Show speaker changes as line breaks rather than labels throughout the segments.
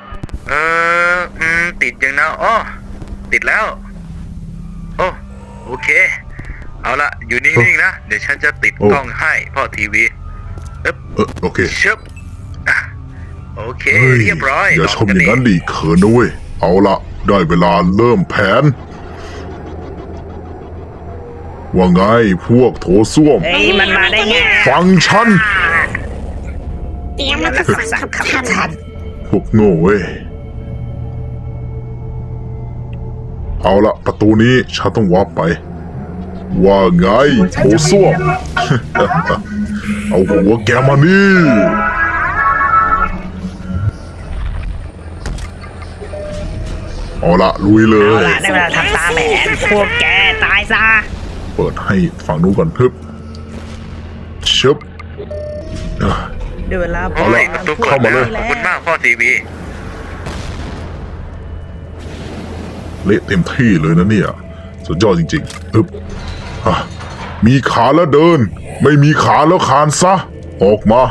ติดยังนะอ๋อติดแล้วโอ้โอเคเอาละอยู่นิ่งๆนะเดี๋ยวฉันจะติดกล้องให้พ่อทีวี
โอเค
ชึบโอเคเรียบร้อย
อย่าชมอย่างนั้นดิเขินนะเว้ยเอาละได้เวลาเริ่มแผนว่าไงพวกโถส้วม
มันมาได้ไง
ฟังฉัน
เตรียมมาสั่งคำทัน
พวกโง่เว้ยเอาละประตูนี้ฉันต้องวาร์ปไปว่าไงโถส้วม เอาหัวแกมานี่เอาละลุยเลย
เอาละได้เวลาทำตามแผนพวกแกตายซะ
เปิดให้ฝั่งนู้นก่อนทึบชึบ
ได้เวลา
เอาละเข้ามาเลยขอบคุณมากพ่อทีวี
เละเต็มที่เลยนะเนี่ยสุดยอดจริงๆทึบมีขาแล้วเดินไม่มีขาแล้วคานซะออกมา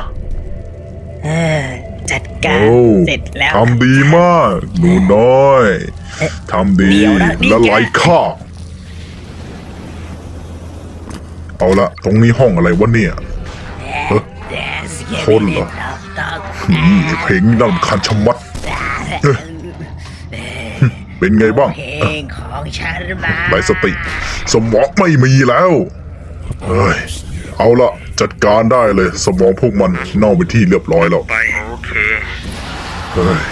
จัดการเสร็จแล้ว
ทำดีมากหนูน้อยทำดีและไร้ค่าเอาละตรงนี้ห้องอะไรวะเนี่ยคนเหรอเพลงน่ารำคาญชะมัดเป็นไงบ้าง
เพลงของฉันมา
ไร้สติสมองไม่มีแล้วเฮ้ยเอาละจัดการได้เลยสมองพวกมันเน่าไปที่เรียบร้อยแล้ว
ไปโอเค
เฮ้ย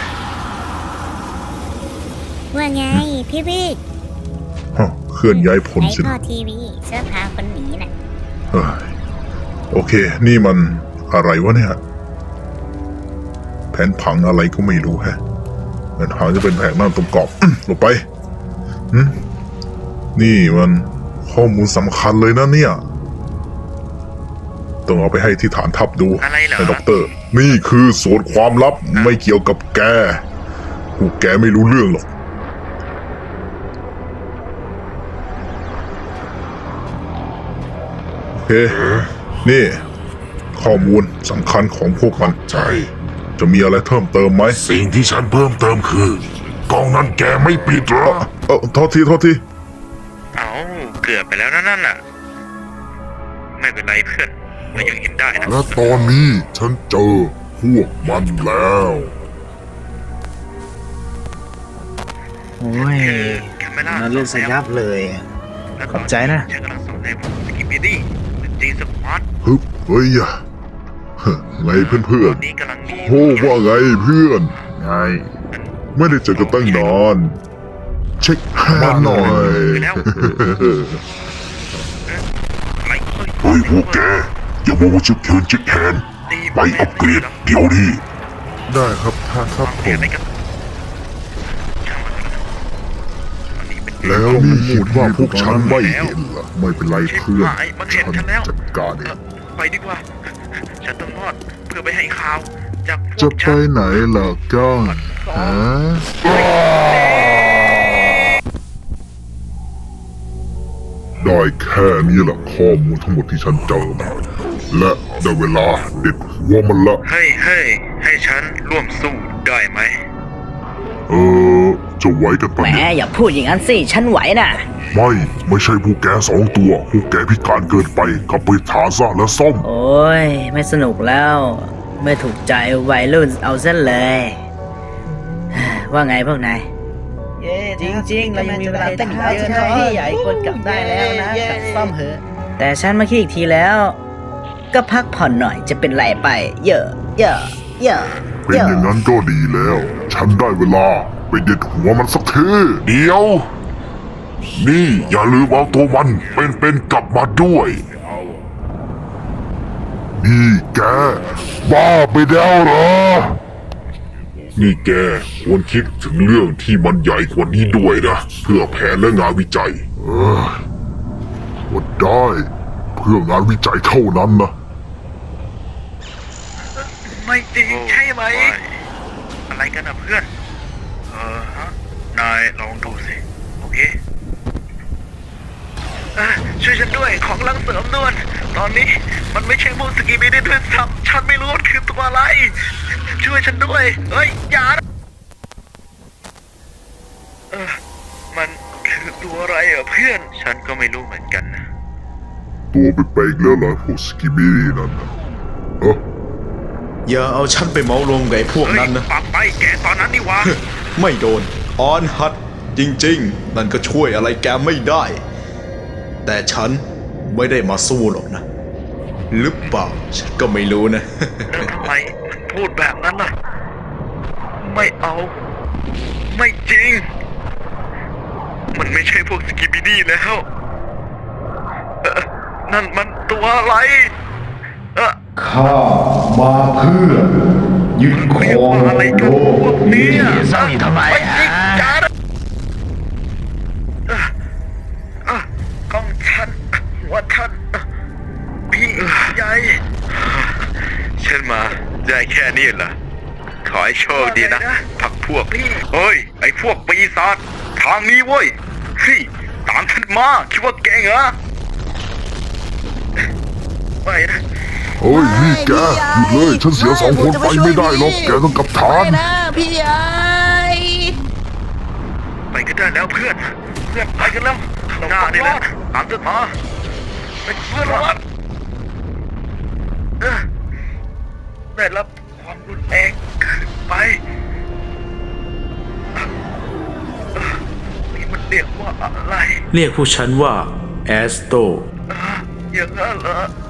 ว่าไงพี่บิ๊ก
เคลื่อนย้ายผลสิ
พ่อทีวีเสื้อผ้าคนหนีน่ะ
เฮ้ยโอเคนี่มันอะไรวะเนี่ยแผนผังอะไรก็ไม่รู้แฮะแผนผังจะเป็นแผนนั่นตรงกรอบลงไปนี่มันข้อมูลสำคัญเลยนะเนี่ยต้องเอาไปให้ที่ฐานทัพดูให้ด็อกเตอร์นี่คือส่วนความลับไม่เกี่ยวกับแกพวกแกไม่รู้เรื่องหรอกโอเคนี่ข้อมูลสำคัญของพวกมัน
ใช่
จะมีอะไรเพิ่มเติมไหม
สิ่งที่ฉันเพิ่มเติมคือกล่องนั้นแกไม่ปิดหรอ
โทษที
เอาเกือบไปแล้วนั่นน่ะไม่เป็นไรเพื่อนเรายังเห็นได้นะ
และตอนนี้ฉันเจอพวกมันแล้ว
โอ้ยน่าเล่นสยับเลยขอบใจนะ
ฉันกำลังสนใจผมสกิปปี้ดี้จีสควอต
เฮ้ยไงเพื่อนโอ้ว่าไงเพื่อนไงไม่ได้เจอกันตั้งนานเช็คแฮนด์หน่อย
เฮ้ยพวกแกอย่ามัวเช็คแฮนด์ไปอัปเกรดเดี๋ยวนี้
ได้ครับท่านครับผมแล้วนี่คิดว่าพวกฉันไม่เห็นเหรอไม่เป็นไรเพื่อนฉันจัดการเอง
ไปดีกว่าฉันต้องรอดเพื่อไปให้ข่าวจาก
จะไปไหนล่ะก้องฮะได้แค่นี้แหละข้อมูลทั้งหมดที่ฉันเจอมาและได้เวลาเด็ดหัวมันละ
ให้ฉันร่วมสู้ได้ไหม
จะไหวกันปะ
เนี่ยแหมอย่าพูดอย่างนั้นสิฉันไหวน่ะ
ไม่ใช่พวกแก2 ตัวพวกแกพิการเกินไปกลับไปฐานซะแล้วซ่อม
โอ้ยไม่สนุกแล้วไม่ถูกใจวัยรุ่นเอาซะเลยว่าไงพวกนายจริงๆเรายังมีเวลาตั้งเยอะนะพี่ใหญ่ควรกลับได้แล้วนะกลับซ่อมเหอะแต่ฉันมาคิดอีกทีแล้วก็พักผ่อนหน่อยจะเป็นไรไปเยอะ
เป็นอย่างนั้นก็ดีแล้วฉันได้เวลาไปเด็ดหัวมันสักที
เดี๋ยวนี่อย่าลืมเอาตัวมันเป็นกลับมาด้วย
นี่แกบ้าไปแล้วเหรอนี่แกควรคิดถึงเรื่องที่มันใหญ่กว่านี้ด้วยนะเพื่อแผนและงานวิจัยก็ได้เพื่องานวิจัยเท่านั้นนะ
ไม่จริงใช่ไหมอะไรกันนะเพื่อนนายลองดูสิโอเคช่วยฉันด้วยของลังเสริมด่วนตอนนี้มันไม่ใช่พวกสกีบีได้ด้วยซ้ำฉันไม่รู้ว่าคือตัวอะไรช่วยฉันด้วยเฮ้ยอย่าฉันก็ไม่รู้เหมือนกันนะ
ตัวเป็นไปอีกแล้วเหรอพวกสกิบิดี้นั่นนะเอ้อ
อย่าเอาฉันไปเมารวมกับไอ้พวก
เฮ้ย
นั้นนะ
ปากไปแกตอนนั้นนี่หวะ
ไม่โดนออนฮัตจริงๆ นั่นก็ช่วยอะไรแกไม่ได้ แต่ฉันไม่ได้มาสู้หรอกนะ หรือเปล่าฉันก็ไม่รู้นะ
แล้วทำไมมันพูดแบบนั้นล่ะ ไม่เอา ไม่จริง มันไม่ใช่พวกสกิบิดี้แล้วนั่นมันตัวอะไรเออ
ข้ามาเพื่อยึดคร
เรียก
อง
ว่าอะไร
โล
กันพว
ก
กเนี้
นี้
สร้างทำไมจ้าของฉันหัวฉันพี่ใหญ่ฉันมาได้แค่นี้เหรอขอให้โชคดีนะพักพวกเฮ้ย ไอ้พวกปีศาจทางนี้เว้ยพี่ตามฉันมาคิดว่าเก่งเหรอไปนะ
เฮ้ยนี่แกหยุดเลยฉันเสีย2 คนไปไม่ได้หรอกแกต้องกลับฐาน
พี่ใหญ่
ไปกันได้แล้วเพื่อนไปกันแล้วหน้านี่แหละตามฉันมาไปเพื่อนรักได้รับความรุนแรงขึ้นไปนี่มันเรียกว่าอะไร
เรียกพวกฉันว่าแอสโต
อย่างนั้นเหรอ